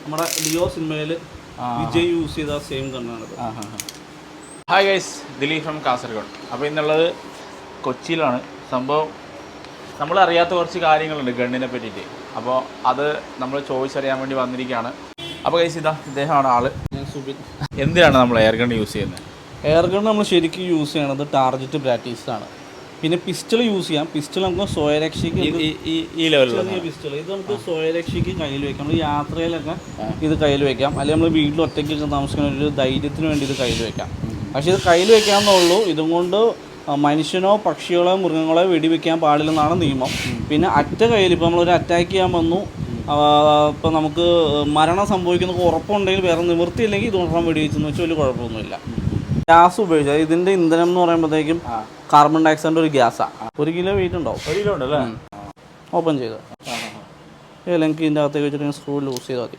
നമ്മുടെ ലിയോ സിനിമയിൽ വിജയ് യൂസ് ചെയ്ത സെയിം ഗണ്ണാണിത്. Hi guys, Dileep from Kasargod. അപ്പോൾ ഇന്നുള്ളത് കൊച്ചിയിലാണ്. സംഭവം നമ്മളറിയാത്ത കുറച്ച് കാര്യങ്ങളുണ്ട് ഗണ്ണിനെ പറ്റിയിട്ട്. അപ്പോൾ അത് നമ്മൾ ചോദിച്ചറിയാൻ വേണ്ടി വന്നിരിക്കുകയാണ്. അപ്പോൾ ഗൈസ് ഇദ്ദേഹമാണ് ആള്. ഞാൻ സുബിൻ. എന്തിനാണ് നമ്മൾ എയർ ഗൺ യൂസ് ചെയ്യുന്നത്? എയർ ഗൺ നമ്മൾ ശരിക്കും യൂസ് ചെയ്യണത് ടാർജറ്റ് പ്രാക്ടീസാണ്. പിന്നെ പിസ്റ്റൾ യൂസ് ചെയ്യാം. പിസ്റ്റൾ നമുക്ക് സ്വയരക്ഷയ്ക്ക് ഈ ലെവലിലുള്ള പിസ്റ്റൾ ഇത് നമുക്ക് സ്വയരക്ഷയ്ക്ക് കയ്യിൽ വെക്കാം. നമ്മൾ യാത്രയിലൊക്കെ ഇത് കയ്യിൽ വെക്കാം. അല്ലെങ്കിൽ നമ്മൾ വീട്ടിൽ ഒറ്റയ്ക്കൊക്കെ താമസിക്കുന്ന ഒരു ധൈര്യത്തിന് വേണ്ടി ഇത് കയ്യിൽ വെക്കാം. പക്ഷേ ഇത് കയ്യിൽ വെക്കാമെന്നുള്ളൂ. ഇതും കൊണ്ട് മനുഷ്യനോ പക്ഷികളോ മൃഗങ്ങളോ വെടിവെക്കാൻ പാടില്ലെന്നാണ് നിയമം. പിന്നെ കയ്യിൽ ഇപ്പോൾ നമ്മളൊരു അറ്റാക്ക് ചെയ്യാൻ വന്നു, ഇപ്പോൾ നമുക്ക് മരണം സംഭവിക്കുന്ന ഉറപ്പുണ്ടെങ്കിൽ വേറെ നിവൃത്തിയില്ലെങ്കിൽ ഇതുകൊണ്ടാണ് വെടിവെച്ചെന്ന് വെച്ചാൽ വലിയ കുഴപ്പമൊന്നുമില്ല. ഗ്യാസ് ഉപയോഗിച്ചാൽ ഇതിൻ്റെ ഇന്ധനം എന്ന് പറയുമ്പോഴത്തേക്കും കാർബൺ ഡയോക്സൈഡിൻ്റെ ഒരു ഗ്യാസാണ്. 1 കിലോ വെയിറ്റ് ഉണ്ടാവും. 1 കിലോ ഉണ്ടല്ലേ? ഓപ്പൺ ചെയ്ത് ഏതെങ്കിലും ഇതിൻ്റെ അകത്തേക്ക് വെച്ചിട്ട് സ്ക്രൂ ലൂസ് ചെയ്താൽ മതി.